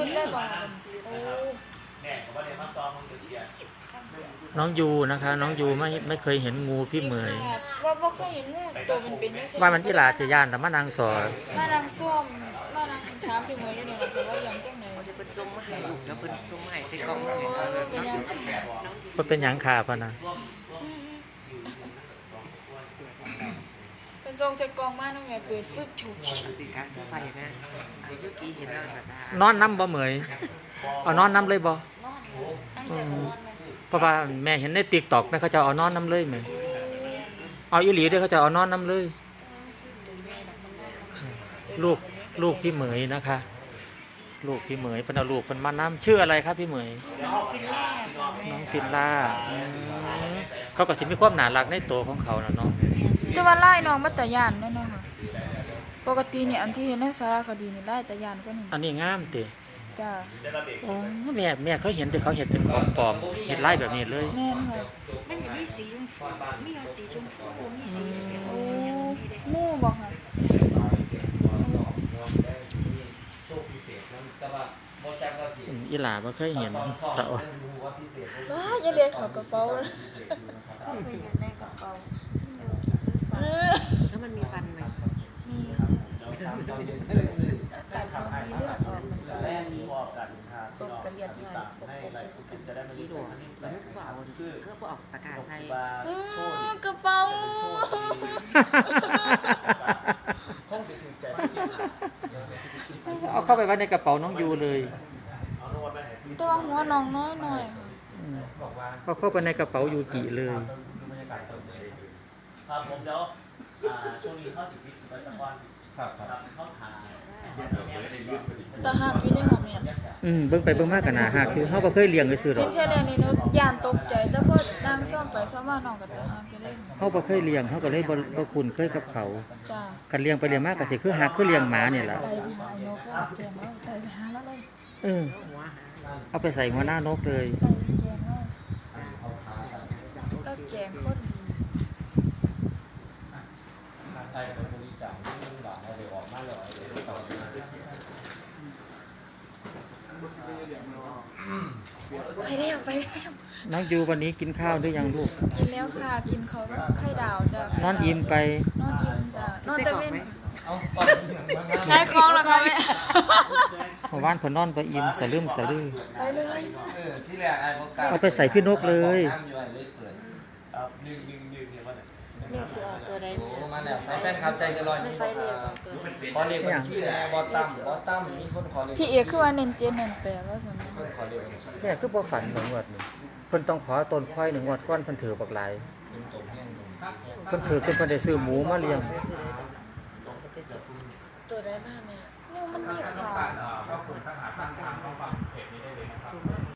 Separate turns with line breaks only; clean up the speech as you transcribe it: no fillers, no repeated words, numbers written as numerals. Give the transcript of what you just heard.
ได้บ่โอ้
น้องยูนะคะน้องยูไม่เคยเห็นงูพี่เหมย
ว่าเคยเห็นงูตัวเป็นๆ
ว่ามันที่ลาจะย่านแต่มานางสอ
มานางส้มมานางถามพี่เหมยอยู่นี่ล่ะว่าเลี้ยงจังได๋
เพิ่นส่งมาให้ลูกแล้วเพิ่นส่งมาให้ใส่กล่องให้
เป็นยัง
มันเป็นหยังขาพะนะ
เป็นทรงใส่กล่องมาน้องแม่เปิดฟึบฉุก
สิการเสื้อผ้านะไอ้ยุกี้เห็นแล้วแบบ
นอนน้ำบ่เหมยเอานอนน้ำเลยบ่เพราะว่าแม่เห็นในTikTokแม่เขาจะเอานอนน้ำเลยแม่เอาอีหลีด้วยเขาจะเอานอนน้ำเลยลูกพี่เหมยนะคะลูกพี่เหมยเป็นเอาลูกเป็นมาน้ำชื่ออะไรครับพี่เหมยน้องฟินล่าเขาก็สิมีความน่ารักในตัวของเขานะเนาะ
แต่ว่าไล่น้องมาแต่ย่านนั่นนะคะปกติเนี่ยอันที่เห็นในสารคดีนี่ไล่แต่ย่านก็นี่
อันนี้งามติ
จ้า
โอ้แม่เขาเห็นแต่เขาเห็นเป็นของปลอมเห็นไล่แบบนี้เลย
แม่นค่ะ
มันมีสีชมพูมีสีชมพูมีสี
โอ้มู่บอกค่ะ
อีหลาบ่เคยเห็นสาว
ว้าอย่าเรียกเขากระเป๋า
เคยเห็นในกระเป๋าแล้วมันมีฟันไหมมีการทำให้เลือดออกศพกระเลียดหน่อยอีหลวงมันคือว่าเอาคือพวกออกตะกร้าใส่
กระเป๋า
เอาเข้าไปไว้ในกระเป๋าน้องยูเลย
ตัวหัวน้องน้อยหน่อย
เขาเข้าไปในกระเป๋ายูกิเลย
ครับผมเดี๋ยวช่วงนี้เข้า10 วิไปสักวันครับเข้าถ่าย
ตาหักอยู่ในหัวแม่
เบิ่งไปเบิ่งมากกันนะหักคือเฮาบ่เคยเลี้ยงเลยซื่อหรอก
เป็นแค่เรื่องนี้เนาะย่านตกใจแต่พอนางซ่อมไปซ่อมมาน้องก็ตาหักอยู่เลย
เฮาบ่เคยเลี้ยงเฮาก็เลยบ่คุ้นเคยกับเขา
จ้า
กันเลี้ยงไปเลี้ยงมาก็สิคือหักคือเลี้ยงหมานี่ล่ะ
ไปหานกก็แกงแล้วไปหาแล้วเลย
เอาไปใส่หัวหน้านกเลย
ไปแกงแล้วแกงคนไปแล้ว
น้องยูวันนี้กินข้าวหรือยังลูก
กินแล้วค่ะกินเขาไข่ดาวจ้ะ
นอนอิ่มไป
นอนอิ่มจ้ะนอนแต่เว้นขายของแล้วค่ะแม่
เมื่อวานเพิ่นนอนบ่อิ่มสะลืมสะลือ
ไปเลย
ที่แรกไอ้พวก
เอาไปใส่พี่นกเลย
เลือกสิออกตัวใด
มาแล้วใส่แฟนครับใจกันลอยนี่ขอเรียกบัญชีแหละบอตั้มมีคนขอเรียก
พี่เอกคือว่าเน้นเจนเน้นแปลว่าซั่น
คนขอเรียก
แม่คือบ่ฝันบ่งวดนี่เพิ่นต้องขอต้นควาย1งวดก่อนเพิ่นถือบักหลายเพิ่นถือเพิ่นได้ซื้อหมูมาเลี้ยง
ตัวใดบ้างแม่มันมีขา
ก็คุณถ้าหาทางเข้าฟังเพจนี้ได้เลยนะครับ